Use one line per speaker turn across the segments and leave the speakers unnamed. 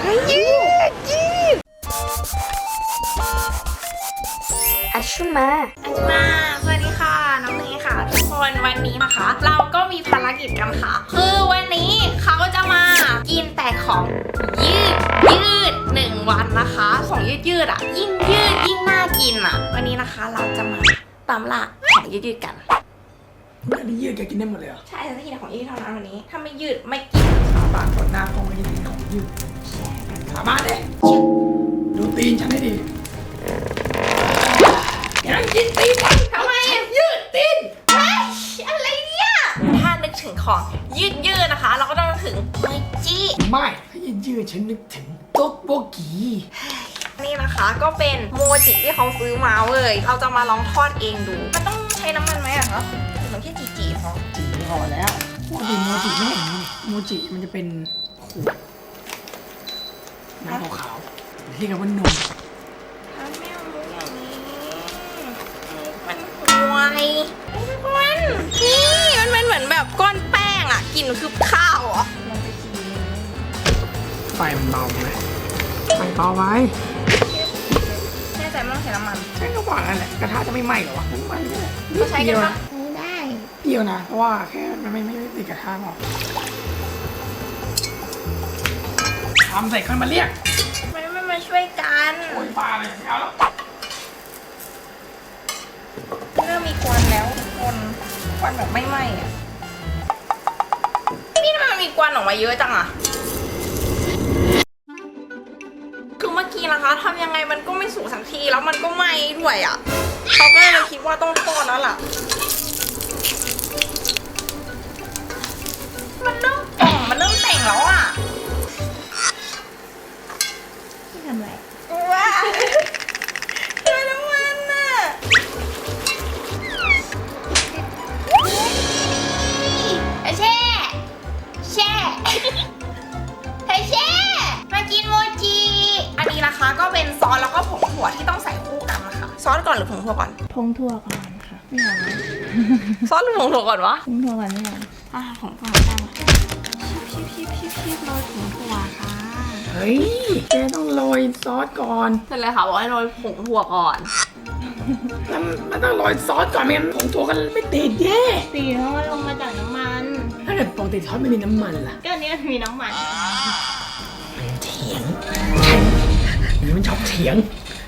ยืดอัชชุนมาสวัสดีค่ะน้องเนยค่ะทุกคนวันนี้นะคะ เราก็มีภารกิจกันค่ะคือวันนี้เขาจะมากินแต่ของยืด1 วันนะคะของยืดอ่ะยิ่งยืดยิ่งน่ากินอ่ะวันนี้นะคะเราจะมาตามล่าของยืดกัน
อันนี้ยืดแกกินได้หมดเลยเหรอ
ใช่จะกินแต่ของยืดเท่านั้นวันนี้ถ้าไม่ยืดไม่กิน
บางคนหน้าคงไม่ได้กินของยืดสามารถเลยดูตีนฉันให้ดีแกกินตีนฉัน
ทำไม
ยืดตีน
อะไรเนี่ยถ้านึกถึงของยืดนะคะเราก็ต้องนึกถึงโมจิ
ไม่ถ้ายืดฉันนึกถึงโต๊กโบกี
นี่นะคะก็เป็นโมจิที่เขาซื้อมาเว้ยเราจะมาลองทอดเองดูมันต้องใช้น้ำมันไหมอะคะหรือแค่จีพอ
พอแล้วปกติโมจิไม่เห็นโมจิมันจะเป็นขวดน้ำขาวๆที่กับว่านม
ถ้าไม่เอาอย่างนี้มันห่วยมันเป็นเหมือนแบบก้อนแป้งอะกลิ่นคือข้าวอ่ะ
ไฟมันเบาไหมไฟเบาไว้
แน่ใจไม่ต้องใช้น้ำมัน
ใช้ก็ว่านั่นแหละกระทะจะไม่ไหม้หรอวะน้ำมันนี่แหละ
ก็ใช้กันปะ
ได้เปรี้ยวนะเพราะว่าแค่มันไม่ติดกระทะหรอกทำใส่คนมาเรียก
ไม่มาช่วยกัน
โอ้ยปลาเลยไม่เอาแล้ว
เริ่มมีควันแล้วควันแบบไม่ไหม้อะนี่ทำไมมันมีควันออกมาเยอะจังอะคือเมื่อกี้นะคะทำยังไงมันก็ไม่สุกสักทีแล้วมันก็ไหม้ด้วยอะเขาก็เลยคิดว่าต้องทอดแล้วล่ะมันเริ่มแต่งแล้วอ่ะที่ทำอะไรว้าเจอน้ำมันน่ะแช่มากินโมจิอันนี้นะคะก็เป็นซอสแล้วก็ผงถั่วที่ต้องใส่คู่กันนะคะซอสก่อนหรือผงถั่วก่อน
ผงถั่วก่อนค่ะไม่เอา
ซอสหรือผงถั่วก่อนวะ
ผงถั่วก่อนไม่เอา
ผงถั่วได้มาชิบโรยผงถั่วค่ะ
เฮ้ยแกต้องโรยซอสก่อน
เป็นไรคะบอกให้โรยผงถั่วก่อน
แล้วมันต้องโรยซอสก่อนไม่งั้นผงถั่วกันไม่ติดแย่
สีเพราะว่าลงมาจากน้ำมัน
ถ้าเกิดปกติซอสไม่มีน้ำมันล่ะ
ก็อันนี้มีน้ำมัน
เถียงมันชอบเถียง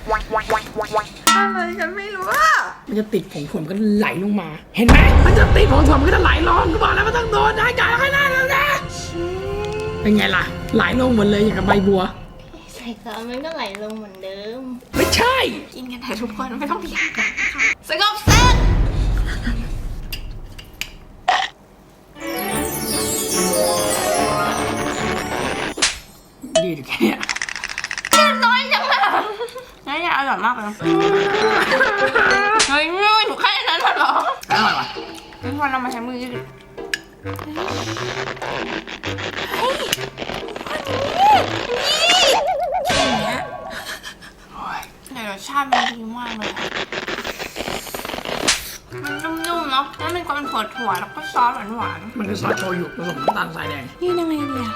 อะไรฉันไม่รู้ว่า
มันจะติดผงถั่วมันก็ไหลลงมาเห็นไหมมันจะติดผงถั่วมันก็จะไหลลงก็บอกแล้วมันต้องโดนได้จ่ายให้ได้แล้วนะเป็นไงล่ะไหลลงหมดเลยอย่างกับใบบัว
ใส่ซอสมันก็ไหลลงเหมือนเดิม
ไม่ใช่
กินกันแต่ทุกคนไม่ต้องเถียงกันสงบศึก
ยืดแค่นี้
ยืดน้อยจังเลยนี่ยอร่อยมากเลยเฮ้ยไม่ถูกแค่นั้นหรอ
อร่อยวะ
ทุกคนเรามาใช้มือยืดอย่างเงี้ยแต่รสชาติมันดีมากเลยมันนุ่มๆเนาะแล้วมันก็เป็นถั่วแล้วก็ซอสหวาน
มันคือซอสโชยุผสมน้ำตาลทรายแดง
ยืดยังไงดีอะ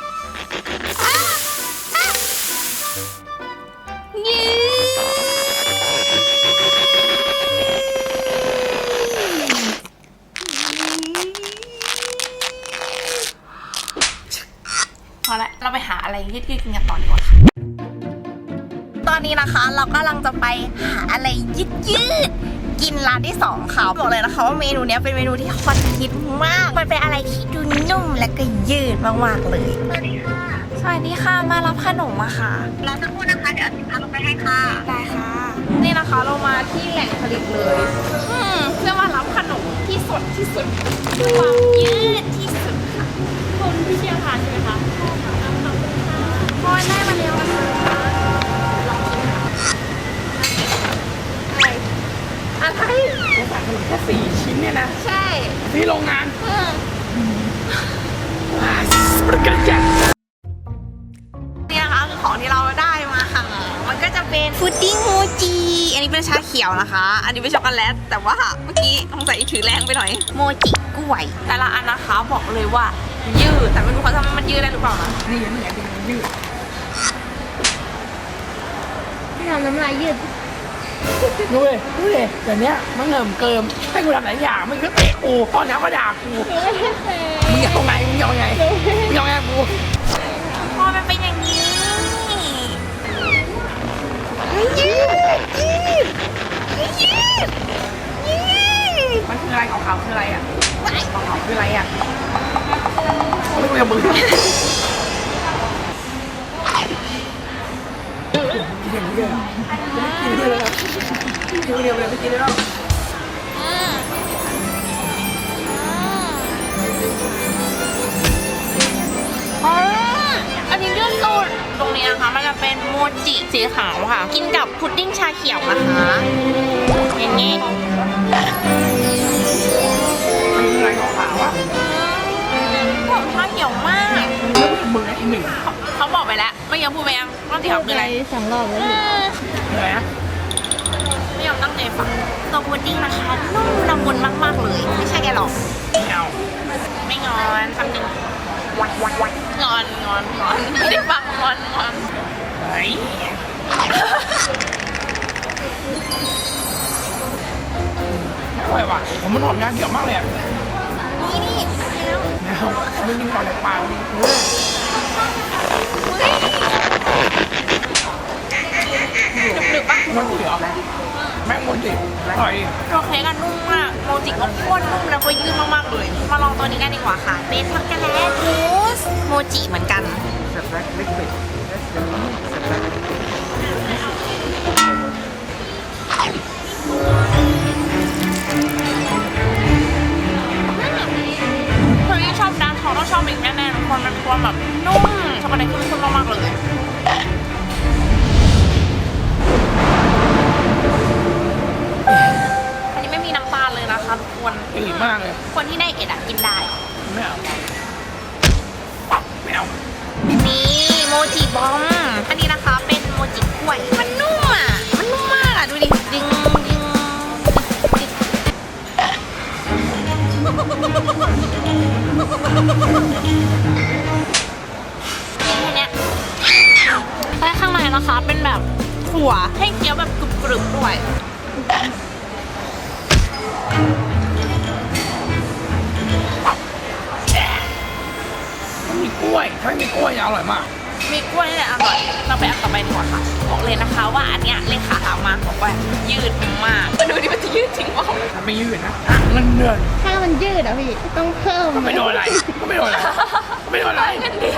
พอละเราไปหาอะไรยืดๆกินกันต่อดีกว่าค่ะตอนนี้นะคะเรากำลังจะไปหาอะไรยืดกินร้านที่2ค่ะบอกเลยนะคะว่าเมนูนี้เป็นเมนูที่ฮอตฮิตมากมันเป็นอะไรที่ดูนุ่มและก็ยืดมากๆเลยสวัสดีค่ะมารับขนมมาค่ะ
รอสักครู่นะคะเดี๋ยวสินค้าลงไปให้ค่ะ
ได้ค่ะนี่นะคะเรามาที่แหล่งผลิตเลยเพื่อมารับขนมที่สดที่สุดความยืดที่สุดค่ะ
คนที่เชี่ยวชาญใช่ไหมคะขอบคุณค่ะ
พอได้มาแล้วนะคะลองชิมค่ะอะไร
จะสั่งขนมแค่4 ชิ้นเนี่ยนะ
ใช่
ที่โรงงานประกันจัด
นี่นะคะคือของที่เราได้มาค่ะมันก็จะเป็นพุดดิ้งโมจิอันนี้เป็นชาเขียวนะคะอันนี้เป็นช็อกโกแลตแต่ว่าเมื่อกี้สงสัยถือแรงไปหน่อยโมจิกล้วยแต่ละอันนะคะบอกเลยว่ายืดแต่ไม่รู้เขาทำให้มันยืดได้หรือเปล่านะ
นี่ยังไงเป็นยืด
ำน้ำลายยืด
ดูเลยแต่เนี้ยมันเกิมให้กูทำหลายอย่างมันก็เตะกูตอนนี้ก็ด่ากูมึงอยากตรงไหนมึงอยากไงมึงอยากไงกู
พอมันเป็นอย่างนี้ยืด
มันคืออะไรของเขาคืออะไรอ่ะของเขาคืออะไรอ่ะเขาไม่คุยกับมึงกินอย่างนี้เลยกินเดียวเลยกินเดียวเลยไม่กินแล้ว
อันนี้เรื่องตูดตรงนี้นะคะมันจะเป็นโมจิสีขาวค่ะ กินกับพุดดิ้งชาเขียวนะคะอย่างนี้
มันคืออะไรของเขาอ่ะ
ผมชาเขียวมาก
มึงไอ้หนึ่ง
เขาบอกไปแล้วไม่ยอมพูดไปยังว่าสีขาวคืออะไร
2 รอบแล้ว
อะไรนะ
ไม่ยอมตั้งใจฟังตัวพุดดิ้งนะคะนุ่มละมุนมากๆเลยไม่ใช่แกหรอก
ไม่เอา
ไม่งอนคำหนึ่งงอนไม่ได้ฟังงอน
ไอ้อร่อยว่ะผมมันหอมยาเกี่ยวมากเลยอ่ะ
นี่แล้ว
แล้วมึงกินก่อนเลยปากนี่
หนึบๆปะ
มันเหลือแม่งมันดิอร่อยดิ
ตัวเค้กอะนุ่มมากโมจิก็โคตรนุ่มแล้วก็ยืดมากๆเลย มาลองตัวนี้กันดีกว่าค่ะเป็นช็อกโกแลตมูสโมจิเหมือนกันคนที่ชอบดาร์กช็อกต้องชอบอีกแน่ๆทุกคนมันมีความแบบนุ่มช็อกโกแลตเข้มข้นมากๆเลยอันนี้ไม่มีน้ำตาลเลยนะคะทุกคน
ดีมากเลย
คนที่ได้เอ็ดอะกินได้
ไม่เอาไม่เอา
นี่โมจิบอม อันนี้นะคะเป็นโมจิกล้วย มันนุ่มอ่ะ มันนุ่มมากอ่ะ ดูดิดึงแค่เนี้ยและข้างในนะคะเป็นแบบถั่วให้เคี้ยวแบบกรึบๆด้วย
มีกล้วยถ้าไม่มีกล้วยจะอร่อยมาก
มีกล้วยนี่แหละอร่อย เราไปอันต่อไปดีกว่าค่ะ บอกเลยนะคะว่าอันเนี้ยเลขาถามมาบอกว่ายืดมากมาดูดิมันจะยืดจริงเปล่า
ถ้าไม่ยืดนะเงินเดือน
ถ้ามันยืดอ่ะพี่ ต้องเพิ่ม
ก็ไม่โดนอะไรก็ไม่โดนอะไรก็ไม่โดนอะไร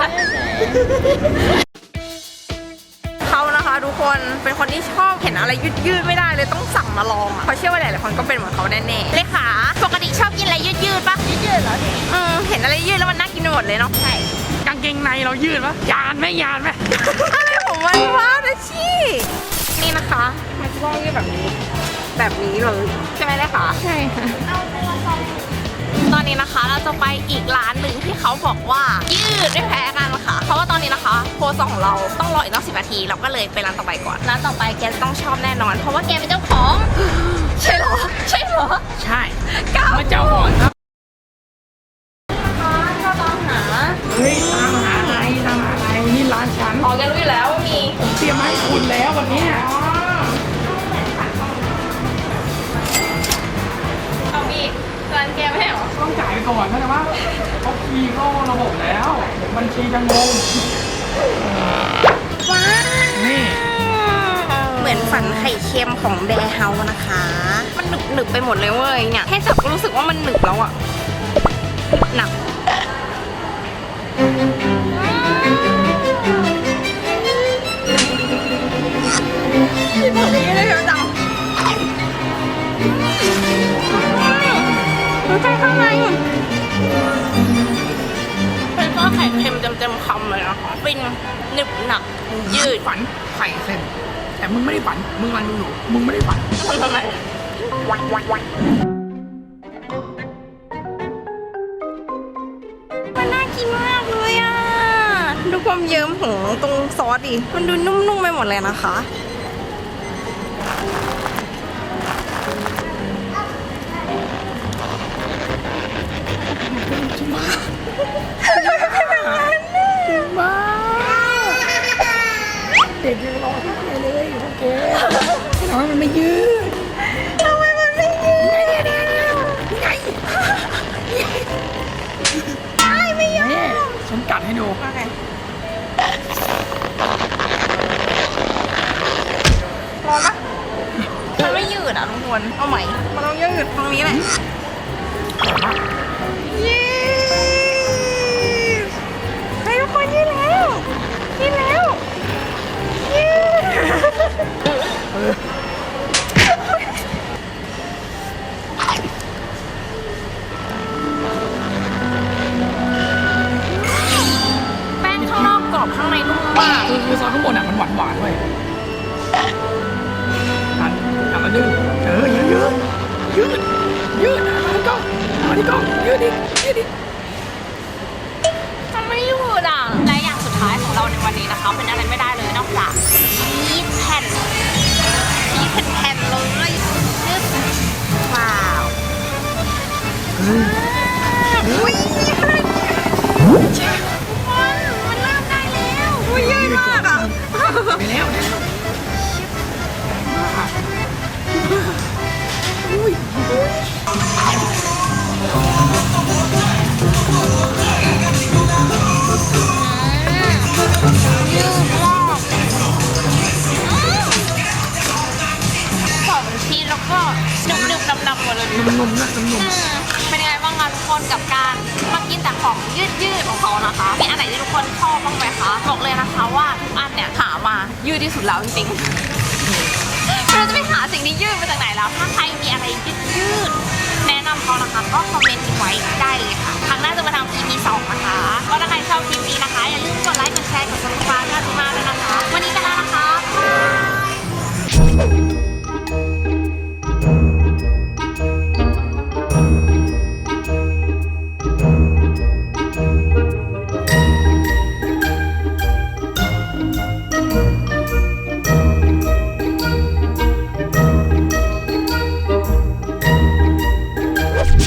เขานะคะทุกคนเป็นคนที่ชอบเห็นอะไรยืดๆไม่ได้เลยต้องสั่งมาลองอ่ะเขาเชื่อว่าหลายๆคนก็เป็นเหมือนเขาแน่ๆเลขาปกติชอบกินอะไรยืดๆปะยืดเหรอเห็นอะไรยืดแล้วมันน่ากินไปหมดเลยเนาะใช่
กางเกงในเรายืดปะยานไหม
อะไรของมันวะนะชี่นี่นะคะมันจะต้องยืดแบบนี้เลยใช่ไหมเลขา
ใช่ค่ะ
ตอนนี้นะคะเราจะไปอีกร้านหนึ่งที่เขาบอกว่ายืดไม่แพ้กันค่ะเพราะว่าตอนนี้นะคะโพสของเราต้องรออีกตั้ง10 นาทีเราก็เลยไปร้านต่อไปก่อนร้านต่อไปแกต้องชอบแน่นอน เพราะว่าแกเป็นเจ้าของ ใช่เหรอใช่เหรอ
ใช่
ก้าว
มาเจ้าของครับ
เราตามหา
เฮ้ยตามหาอะไรนี่ร้านฉัน
อ๋อแกรู้อยู่แล้วว่ามี
ผมเตรียมมาให้คุณแล้ววันเนี้ย
เอามีร้านแกไม่ใช่เหรอ
ต้องจ่ายไปก่อนเข้าใจว่าเขาคีย์เข้าระบบแล้วบัญชีจะงง
ว้า
นี่
เหมือนฝันไข่เค็มของแบร์เฮาส์นะคะ มันหนึบไปหมดเลยเว้ยเนี่ยแค่จับก็รู้สึกว่ามันหนึบแล้วอะหนักที่ผมนี้เลยเชียวจังดูใจข้างในเป็นก้อนไข่เค็มเต็มๆคำเลยนะคะเป็นหนึบหนักยืด
ฝันไข่เส้นแต่มึงไม่ได้ฝันมึงรันดูอยู่มึงไม่ได้ฝัน
ทำไมมันน่ากินมากเลยอ่ะ ดูความเยิ้มของตรงซอสดิ มันดูนุ่มๆไปหมดเลยนะคะ
เด็กยังรอที่ไหนเลยเอ๊ะน้องมันไม่ยืด
ทำไมมันไม่ยืด
ไง
ได้ไม่ยอม
นี่ฉันกัดให้ดู
โอเคร้อนปะมันไม่ยืดอ่ะทุกคนเอาใหม่มันต้องยืดตรงนี้แหละยืดเฮ้ยทุกคนยืดแล้วยืดแล้วยืดแป้งข้างนอกกรอบข้างในนุ่มมาก
คือซอสข้างบนอ่ะมันหวานหวานๆเว้ยทำมาดึงยืดมาที่กล้องยืดดิ
มันไม่ยืดอ่ะและอย่างสุดท้ายของเราในวันนี้นะคะเป็นอะไรไม่ได้เลยนอกจากชีสแผ่นเลยยืดว้าวอุ้ยมันเริ่มได้แล้วอุ้ยยืดมากอ่ะ
ไปแล้ว
ยืดมากกรอบชีสแล้วก็นึบๆดำๆหมดเลย
นุ่มๆนะนุ่ม
เป็นยังไงบ้างคะทุกคนกับการมากินแต่ของยืดๆของเขานะคะมีอันไหนที่ทุกคนชอบบ้างไหมคะบอกเลยนะคะว่าทุกอันเนี่ยหามายืดที่สุดแล้วจริงๆเราจะไปหาสิ่งที่ยืดมาจากไหนแล้วถ้าใครมีอะไรยืดๆแนะนำเขานะคะก็คอมเมนต์ทิ้งไว้ได้เลยค่ะครั้งหน้าจะมาทำ EP 2 นะคะก็ถ้าใครชอบคลิปนี้นะคะอย่าลืมกดไลค์กดแชร์กด subscribe